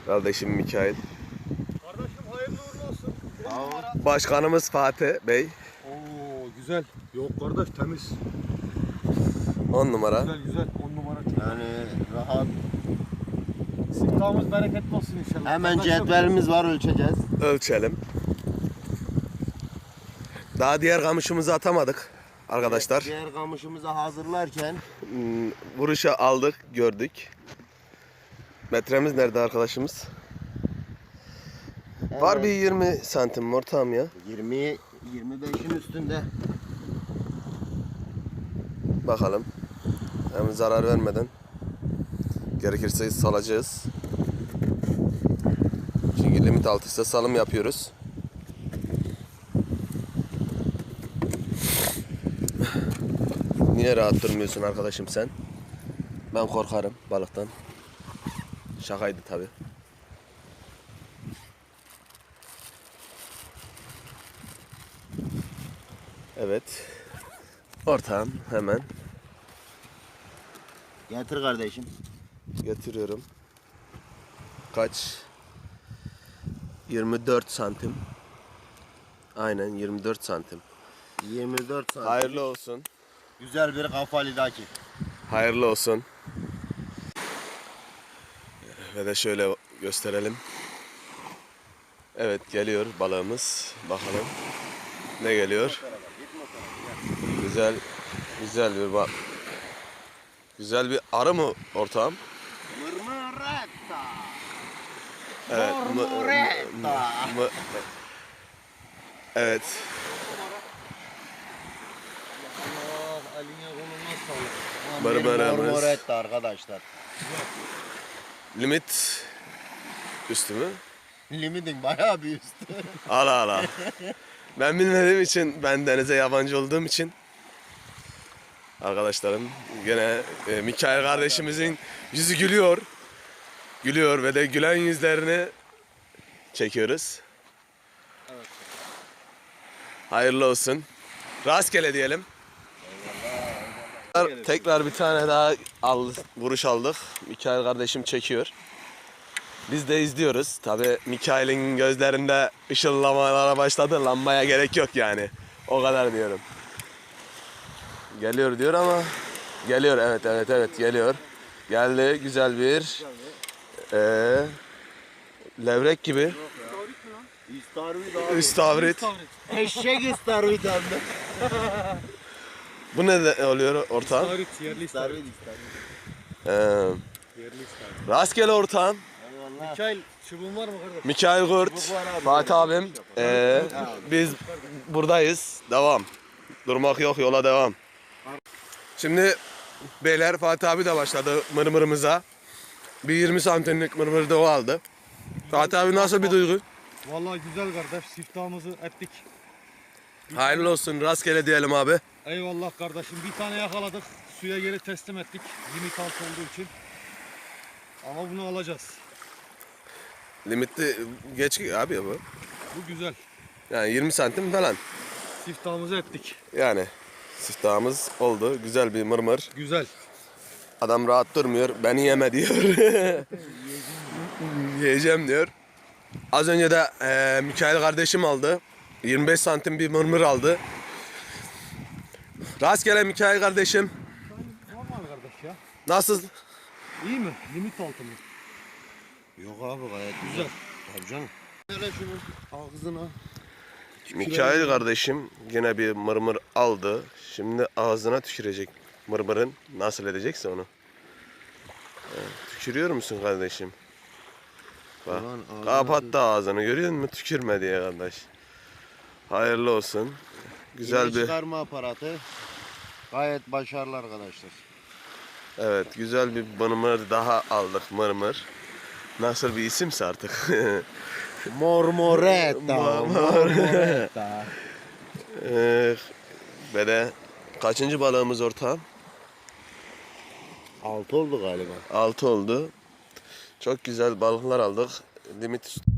Kardeşim Mikail. Kardeşim hayırlı uğurlu olsun. Başkanımız Fatih Bey. Oo güzel. Yok kardeş temiz. 10 numara. Güzel güzel. 10 numara. Yani rahat. Siftahımız bereketli olsun inşallah. Hemen Kardeşim, cetvelimiz var, ölçeceğiz. Ölçelim. Daha diğer kamışımızı atamadık arkadaşlar. Diğer kamışımızı hazırlarken Vuruşa aldık, gördük. Metremiz nerede arkadaşımız? Var bir 20 santim ortam ya. 20-25'in üstünde. Bakalım. Hem zarar vermeden. Gerekirse salacağız. Çünkü limit altıysa salım yapıyoruz. Niye rahat durmuyorsun arkadaşım sen? Ben korkarım balıktan. Şakaydı tabi. Evet. Ortağım hemen Getir kardeşim. getiriyorum. Kaç? 24 santim. Aynen 24 santim. 24 santim. Hayırlı olsun. Güzel bir kafalidaki. Hayırlı olsun. Ve de şöyle gösterelim. Evet geliyor balığımız. Bakalım ne geliyor. Güzel bir bak. Güzel bir arı mı ortağım? Mırmıretta. Evet. Evet. Allah eline koluna sağlık. Mırmırımız. Mırmıretta arkadaşlar. Limit üstü mü? Limitin bayağı bir üstü. Ala. Ben bilmediğim için, ben denize yabancı olduğum için arkadaşlarım gene Mikail kardeşimizin yüzü gülüyor. Gülüyor ve de gülen yüzlerini çekiyoruz. Evet. Hayırlı olsun. Rastgele diyelim. Tekrar bir tane daha vuruş aldık. Mikail kardeşim çekiyor. Biz de izliyoruz. Tabi Mikail'in gözlerinde ışıllamalara başladı. Lambaya gerek yok yani. O kadar diyorum. Geliyor diyor ama geliyor, evet geliyor. Geldi güzel bir levrek gibi. İstavrit abi. İstavrit. Eşek istavrit hem de. Bu ne oluyor ortağım? İstavrit, yerli istavrit. İstavrit. Yerli istavrit. Rastgele ortağım. Eyvallah. Mikail çubuğun var mı kardeş? Mikail Kurt, Fatih abim. Biz buradayız. Devam. Durmak yok, yola devam. Şimdi beyler Fatih abi de başladı mırmırımıza. Bir 20 santimlik mırmır da o aldı. Fatih abi nasıl bir duygu? Vallahi güzel kardeş. Siftahımızı ettik. Hayırlı olsun, rastgele diyelim abi. Eyvallah kardeşim. Bir tane yakaladık. Suya geri teslim ettik. Limit altı olduğu için. Ama bunu alacağız. Limitli geç abi bu. Bu güzel. Yani 20 santim falan. Siftahımızı ettik. Yani siftahımız oldu. Güzel bir mırmır. Güzel. Adam rahat durmuyor. Beni yeme diyor. Yiyeceğim diyor. Az önce de Mikail kardeşim aldı. 25 santim bir mırmır aldı. Rastgele Mikail kardeşim. Normal kardeş ya. Nasıl? İyi mi? Limit altı mı? Yok abi gayet Güzel. Tabii canım. Şöyle şunu ağzına. Mikail kardeşim yine bir mırmır aldı. Şimdi ağzına tükürecek mırmırın. Nasıl edecekse onu. Tükürüyor musun kardeşim? Bak, Ulan ağzına kapattı ağzını, görüyor musun? Tükürme diye kardeş. Hayırlı olsun. Güzel Yine bir, çıkarma aparatı. Gayet başarılı arkadaşlar. evet, güzel bir mırmır daha aldık, mırmır. Nasıl bir isimse artık. Mormoretta. Mormoretta. Ve de kaçıncı balığımız ortağım? 6 oldu galiba. 6 oldu. Çok güzel balıklar aldık. Limit